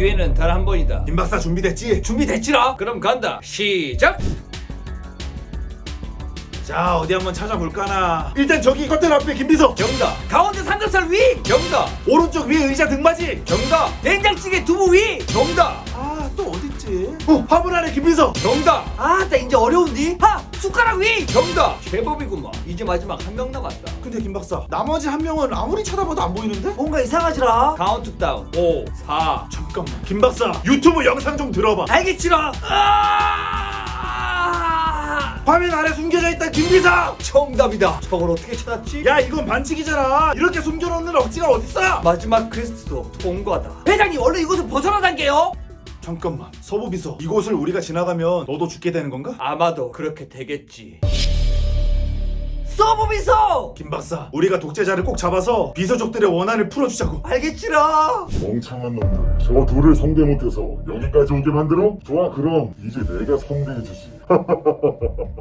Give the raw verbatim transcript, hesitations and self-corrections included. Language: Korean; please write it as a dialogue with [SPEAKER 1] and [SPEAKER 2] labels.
[SPEAKER 1] 기회는 단 한 번이다.
[SPEAKER 2] 김 박사 준비됐지?
[SPEAKER 1] 준비됐지라? 그럼 간다. 시작.
[SPEAKER 2] 자, 어디 한번 찾아볼까나. 일단 저기 커튼 앞에 김비서.
[SPEAKER 1] 정답. 가운데 삼겹살 위. 정답.
[SPEAKER 2] 오른쪽 위에 의자 등받이.
[SPEAKER 1] 정답. 된장찌개 두부 위. 정답.
[SPEAKER 2] 아, 또 어딨지? 어, 화분 안에 김비서.
[SPEAKER 1] 정답. 아, 나 이제 어려운디? 하! 숟가락 위. 정답. 제법이구만. 이제 마지막 한 명 남았다.
[SPEAKER 2] 근데 김 박사, 나머지 한 명은 아무리 찾아봐도 안 보이는데?
[SPEAKER 1] 뭔가 이상하지라. 카운트 다운. 오, 사.
[SPEAKER 2] 잠깐만. 김 박사, 유튜브 영상 좀 들어봐.
[SPEAKER 1] 알겠지라. 아!
[SPEAKER 2] 화면 아래 숨겨져 있다 김비서.
[SPEAKER 1] 정답이다. 저걸 어떻게 찾았지?
[SPEAKER 2] 야, 이건 반칙이잖아. 이렇게 숨겨놓는 억지가 어딨어?
[SPEAKER 1] 마지막 퀘스트도 통과다. 회장님, 얼른 이곳을 벗어나단게요.
[SPEAKER 2] 잠깐만, 서부비서, 이곳을 우리가 지나가면 너도 죽게 되는 건가?
[SPEAKER 1] 아마도 그렇게 되겠지. 서브비서!
[SPEAKER 2] 김 박사, 우리가 독재자를 꼭 잡아서 비서족들의 원한을 풀어주자고.
[SPEAKER 1] 알겠지라.
[SPEAKER 3] 멍청한 놈들, 저 둘을 성대 못해서 여기까지 오게 만들어? 좋아, 그럼 이제 내가 성대해주지.